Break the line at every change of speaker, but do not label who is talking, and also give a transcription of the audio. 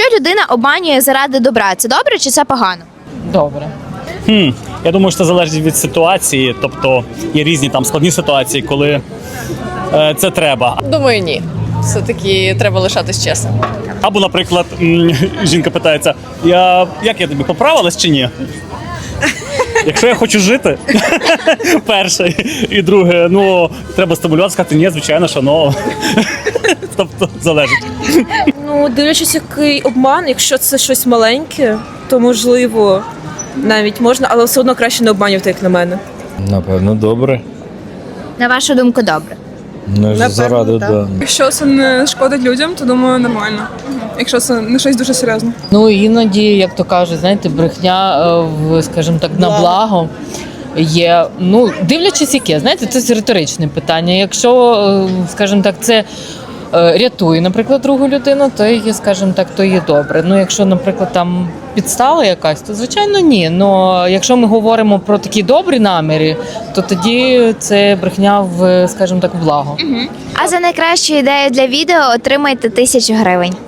людина обманює заради добра, це добре чи це погано?
Добре.
Я думаю, що це залежить від ситуації, тобто є різні там складні ситуації, коли це треба.
Думаю, ні. Все-таки треба лишатись чесним.
Або, наприклад, жінка питається, як я тобі поправилась чи ні? Якщо я хочу жити, перше, і друге, треба стимулювати, сказати, ні, звичайно, що, тобто, залежить.
Ну, дивлячись, який обман, якщо це щось маленьке, то можливо навіть можна, але все одно краще не обманювати, як на мене.
Напевно, добре.
На вашу думку, добре.
Не заради, да.
Якщо це не шкодить людям, то думаю, нормально. Якщо це не щось дуже серйозне.
Ну, іноді, як то кажуть, знаєте, брехня, скажімо так, на благо є. Ну, дивлячись яке, знаєте, це риторичне питання. Якщо, скажімо так, це рятує, наприклад, другу людину, то є, скажімо так, то є добре. Ну, якщо, наприклад, там підстава якась, то, звичайно, ні. Но якщо ми говоримо про такі добрі наміри, то тоді це брехня в, скажімо так, в благо.
А за найкращу ідею для відео отримайте 1000 гривень.